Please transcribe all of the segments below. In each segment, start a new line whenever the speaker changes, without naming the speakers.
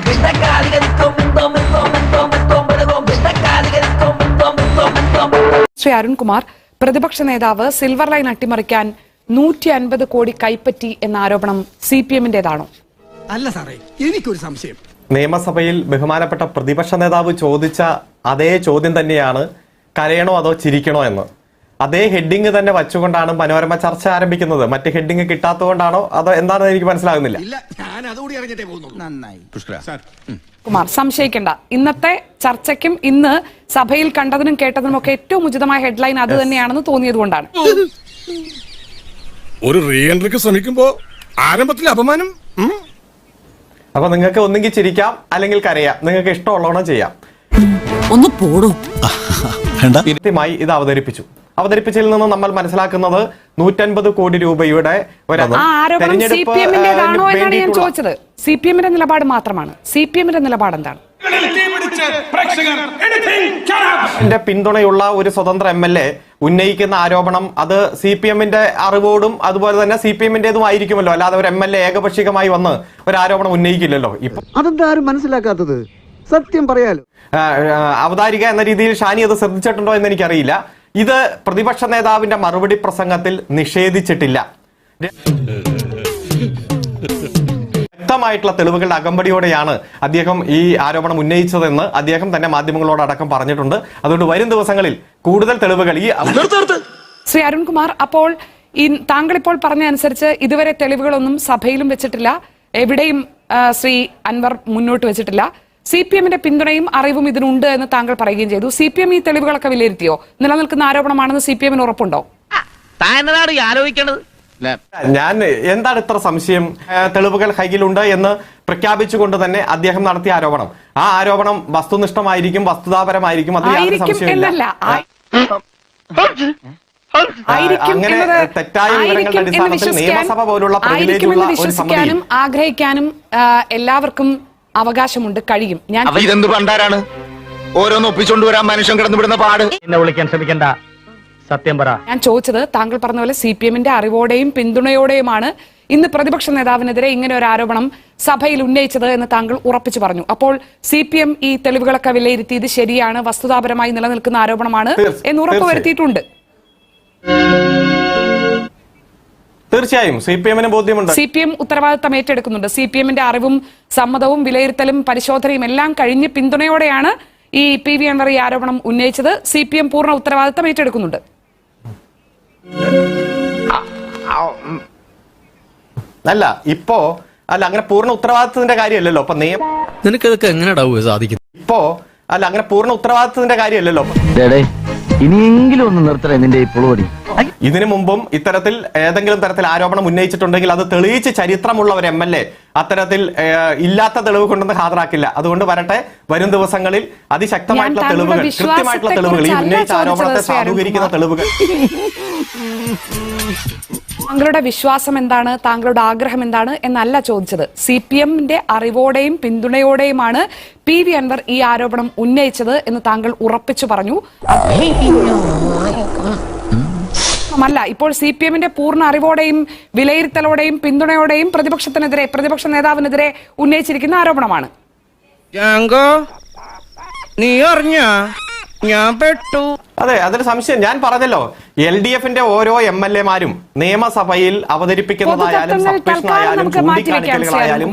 ശ്രീ അരുൺകുമാർ, പ്രതിപക്ഷ നേതാവ് silver line അട്ടിമറിക്കാൻ 150 കോടി കൈപ്പറ്റി എന്ന ആരോപണം CPM-ന്റേതാണോ?
അല്ല സാറേ, എനിക്കൊരു സംശയം.
നിയമസഭയിൽ ബഹുമാനപ്പെട്ട പ്രതിപക്ഷ നേതാവ് ചോദിച്ച അതേ ചോദ്യം തന്നെയാണ്, കരയണോ അതോ ചിരിക്കണോ എന്ന്. അതേ ഹെഡിങ് തന്നെ വച്ചുകൊണ്ടാണ് മനോരമ ചർച്ച ആരംഭിക്കുന്നത്. മറ്റ് ഹെഡിങ് കിട്ടാത്തതുകൊണ്ടാണോ അതോ എന്താണെന്ന് എനിക്ക് മനസ്സിലാകുന്നില്ല.
കുമാർ, സംശയിക്കേണ്ട. ഇന്നത്തെ ചർച്ചയ്ക്കും ഇന്ന് സഭയിൽ കണ്ടതിനും കേട്ടതിനും ഒക്കെ ഏറ്റവും ഉചിതമായ ഹെഡ്ലൈൻ അത് തന്നെയാണെന്ന് തോന്നിയതുകൊണ്ടാണ്.
ഒരു റീ എൻട്രിക്ക് ശ്രമിക്കുമ്പോ ആരംഭത്തിൽ അപമാനം.
അപ്പൊ നിങ്ങൾക്ക് ഒന്നെങ്കിൽ ചിരിക്കാം അല്ലെങ്കിൽ കരയാം, നിങ്ങൾക്ക് ഇഷ്ടമുള്ളവണ്ണം ചെയ്യാം.
ഒന്ന് പോടോ.
കൃത്യമായി ഇത് അവതരിപ്പിച്ചതിൽ നിന്ന് നമ്മൾ മനസ്സിലാക്കുന്നത് 150 കോടി രൂപയുടെ
ഞാൻ ചോദിച്ചത് CPM-ന്റെ നിലപാട് മാത്രമാണ്. CPM-ന്റെ നിലപാട് എന്താണ്?
പിന്തുണയുള്ള ഒരു സ്വതന്ത്ര MLA ഉന്നയിക്കുന്ന ആരോപണം അത് CPM-ന്റെ അറിവോടും അതുപോലെ തന്നെ CPM-ന്റേതും ആയിരിക്കുമല്ലോ. അല്ലാതെ ഒരു MLA ഏകപക്ഷീയമായി വന്ന് ഒരു ആരോപണം ഉന്നയിക്കില്ലല്ലോ. ഇപ്പൊ
അതെന്താരും മനസ്സിലാക്കാത്തത്? സത്യം പറയാലോ.
അവതാരിക എന്ന രീതിയിൽ ഷാനി അത് ശ്രദ്ധിച്ചിട്ടുണ്ടോ എന്ന് എനിക്കറിയില്ല. ഇത് പ്രതിപക്ഷ നേതാവിന്റെ മറുപടി പ്രസംഗത്തിൽ നിഷേധിച്ചിട്ടില്ല. വ്യക്തമായിട്ടുള്ള തെളിവുകളുടെ അകമ്പടിയോടെയാണ് അദ്ദേഹം ഈ ആരോപണം ഉന്നയിച്ചതെന്ന് അദ്ദേഹം തന്നെ മാധ്യമങ്ങളോടടക്കം പറഞ്ഞിട്ടുണ്ട്. അതുകൊണ്ട് വരും ദിവസങ്ങളിൽ കൂടുതൽ തെളിവുകൾ
ശ്രീ അരുൺകുമാർ, അപ്പോൾ താങ്കൾ ഇപ്പോൾ പറഞ്ഞ അനുസരിച്ച് ഇതുവരെ തെളിവുകളൊന്നും സഭയിലും വെച്ചിട്ടില്ല, എവിടെയും ശ്രീ അൻവർ മുന്നോട്ട് വെച്ചിട്ടില്ല. CPM-ന്റെ പിന്തുണയും അറിവും ഇതിനുണ്ട് എന്ന് താങ്കൾ പറയുകയും ചെയ്തു. CPM ഈ തെളിവുകളൊക്കെ വിലയിരുത്തിയോ? നിലനിൽക്കുന്ന ആരോപണമാണെന്ന് CPM-ന് ഉറപ്പുണ്ടോ?
ഞാൻ എന്താണ് ഇത്ര സംശയം? തെളിവുകൾ കയ്യിലുണ്ട് എന്ന് പ്രഖ്യാപിച്ചുകൊണ്ട് തന്നെ അദ്ദേഹം നടത്തിയ ആരോപണം, ആ ആരോപണം വസ്തുനിഷ്ഠമായിരിക്കും, വസ്തുതാപരമായിരിക്കും. അങ്ങനെ തെറ്റായ വിവരങ്ങളുടെ അടിസ്ഥാനത്തിൽ നിയമസഭ പോലുള്ള പ്രിവിലേജുള്ള ഒരു സമിതി
ആഗ്രഹിക്കാനും എല്ലാവർക്കും അവകാശമുണ്ട്, കഴിയും.
ഇതെന്ത് പണ്ടാരാണ് ഓരോന്ന് ഒപ്പിച്ചോണ്ട് വരാൻ മനുഷ്യൻ കിടന്നുവിടുന്ന പാട്.
എന്നെ വിളിക്കാൻ ശ്രമിക്കണ്ട, സത്യം പറ.
ഞാൻ ചോദിച്ചത് താങ്കൾ പറഞ്ഞ പോലെ CPM-ന്റെ അറിവോടെയും പിന്തുണയോടെയുമാണ് ഇന്ന് പ്രതിപക്ഷ നേതാവിനെതിരെ ഇങ്ങനെ ഒരു ആരോപണം സഭയിൽ ഉന്നയിച്ചത് എന്ന് താങ്കൾ ഉറപ്പിച്ചു പറഞ്ഞു. അപ്പോൾ CPM ഈ തെളിവുകളൊക്കെ വിലയിരുത്തി ഇത് ശരിയാണ്, വസ്തുതാപരമായി നിലനിൽക്കുന്ന ആരോപണമാണ് എന്ന് ഉറപ്പുവരുത്തിയിട്ടുണ്ട്.
തീർച്ചയായും CPM-ന് ബോധ്യമുണ്ട്.
CPM ഉത്തരവാദിത്തം ഏറ്റെടുക്കുന്നുണ്ട്. CPM-ന്റെ അറിവും സമ്മതവും വിലയിരുത്തലും പരിശോധനയും എല്ലാം കഴിഞ്ഞ് പിന്തുണയോടെയാണ് ഈ PV അൻവർ ഈ ആരോപണം ഉന്നയിച്ചത്. CPM പൂർണ്ണ ഉത്തരവാദിത്തം ഏറ്റെടുക്കുന്നുണ്ട്.
അല്ല അങ്ങനെ പൂർണ്ണ ഉത്തരവാദിത്തത്തിന്റെ കാര്യമല്ലല്ലോ. അപ്പൊ
നിനക്കതൊക്കെ എങ്ങനെയാ സാധിക്കുന്നത്?
അങ്ങനെ പൂർണ്ണ ഉത്തരവാദിത്തത്തിന്റെ കാര്യമല്ലല്ലോ.
ഇനിയെങ്കിലും ഒന്ന് നിർത്തണേ നിന്റെ ഈ പുളുപടി.
ഇതിനു മുമ്പും ഇത്തരത്തിൽ ഏതെങ്കിലും തരത്തിൽ ആരോപണം ഉന്നയിച്ചിട്ടുണ്ടെങ്കിൽ അത് തെളിയിച്ച് ചരിത്രമുള്ള ഒരു MLA അത്തരത്തിൽ ഇല്ലാത്ത തെളിവ് കൊണ്ടൊന്ന് ഹാജരാക്കില്ല. അതുകൊണ്ട് വരും ദിവസങ്ങളിൽ അതിശക്തമായിട്ടുള്ള തെളിവുകൾ, കൃത്യമായിട്ടുള്ള തെളിവുകൾ, ഈ ഉന്നയിച്ച ആരോപണത്തെ സാധൂകരിക്കുന്ന തെളിവുകൾ.
താങ്കളുടെ വിശ്വാസം എന്താണ്, താങ്കളുടെ ആഗ്രഹം എന്താണ് എന്നല്ല ചോദിച്ചത്. CPM-ന്റെ അറിവോടെയും പിന്തുണയോടെയുമാണ് PV അൻവർ ഈ ആരോപണം ഉന്നയിച്ചത് എന്ന് താങ്കൾ ഉറപ്പിച്ചു പറഞ്ഞു. അല്ല, ഇപ്പോൾ CPM-ന്റെ പൂർണ്ണ അറിവോടെയും വിലയിരുത്തലോടെയും പിന്തുണയോടെയും പ്രതിപക്ഷ നേതാവിനെതിരെ ഉന്നയിച്ചിരിക്കുന്ന ആരോപണമാണ്.
അതെ, അതൊരു സംശയം. ഞാൻ പറഞ്ഞല്ലോ, LDF-ന്റെ ഓരോ MLA-മാരും നിയമസഭയിൽ അവതരിപ്പിക്കുന്നതായാലും സബ്മിഷനായാലും ചൂണ്ടിക്കാണിക്കലുകളായാലും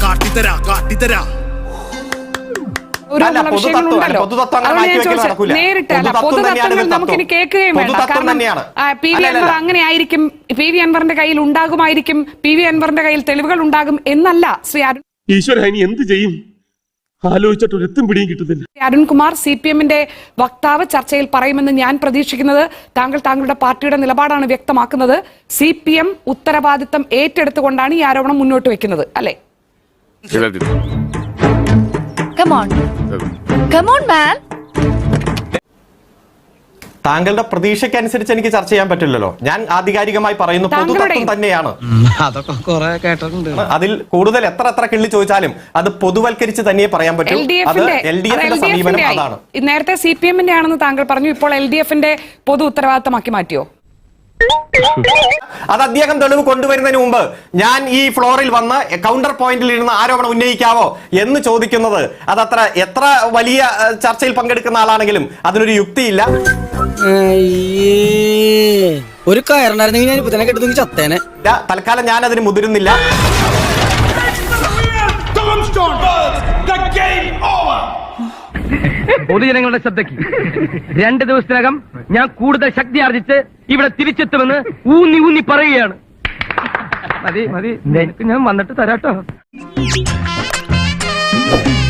അങ്ങനെ ആയിരിക്കും, PV അൻവറിന്റെ കയ്യിൽ ഉണ്ടാകുമായിരിക്കും, PV അൻവറിന്റെ കയ്യിൽ തെളിവുകൾ ഉണ്ടാകും എന്നല്ല ശ്രീ അരുൺ.
എന്ത് ചെയ്യും ആലോചിച്ചിട്ടൊരെത്തും പിടിയും കിട്ടുന്നില്ല.
അരുൺകുമാർ, CPM-ന്റെ വക്താവ് ചർച്ചയിൽ പറയുമെന്ന് ഞാൻ പ്രതീക്ഷിക്കുന്നത് താങ്കളുടെ പാർട്ടിയുടെ നിലപാടാണ് വ്യക്തമാക്കുന്നത്. CPM ഉത്തരവാദിത്തം ഏറ്റെടുത്തുകൊണ്ടാണ് ഈ ആരോപണം മുന്നോട്ട് വെക്കുന്നത്, അല്ലേ?
താങ്കളുടെ പ്രതീക്ഷയ്ക്കനുസരിച്ച് എനിക്ക് ചർച്ച ചെയ്യാൻ പറ്റില്ലല്ലോ. ഞാൻ ആധികാരികമായി പറയുന്നു, പൊതുതത്വം തന്നെയാണ്. അതിൽ കൂടുതൽ എത്ര കിള്ളി ചോദിച്ചാലും അത് പൊതുവൽക്കരിച്ച് തന്നെ പറയാൻ പറ്റും. അത് LDF-ന്റെ സമീപനം അതാണ്.
നേരത്തെ CPM-ന്റെ ആണെന്ന് താങ്കൾ പറഞ്ഞു, ഇപ്പോൾ LDF-ന്റെ പൊതു ഉത്തരവാദിത്തമാക്കി മാറ്റിയോ?
അത് അദ്ദേഹം തെളിവ് കൊണ്ടുവരുന്നതിന് മുമ്പ് ഞാൻ ഈ ഫ്ലോറിൽ വന്ന് കൗണ്ടർ പോയിന്റിൽ ഇരുന്ന് ആരോപണം ഉന്നയിക്കാവോ എന്ന് ചോദിക്കുന്നത് അതത്ര എത്ര വലിയ ചർച്ചയിൽ പങ്കെടുക്കുന്ന ആളാണെങ്കിലും അതിനൊരു യുക്തിയില്ല.
ഒരു കയറുണ്ടായിരുന്നെങ്കിൽ ഞാൻ ഇപ്പൊ തന്നെ കെട്ടുന്നെങ്കിൽ ചത്തേനെ.
തൽക്കാലം ഞാൻ അതിന് മുതിരുന്നില്ല.
പൊതുജനങ്ങളുടെ ശ്രദ്ധയ്ക്ക് 2 ദിവസത്തിനകം ഞാൻ കൂടുതൽ ശക്തി ആർജിച്ച് ഇവിടെ തിരിച്ചെത്തുമെന്ന് ഊന്നി ഊന്നി പറയുകയാണ്. മതി മതി, ഞാൻ വന്നിട്ട് തരാട്ടോ.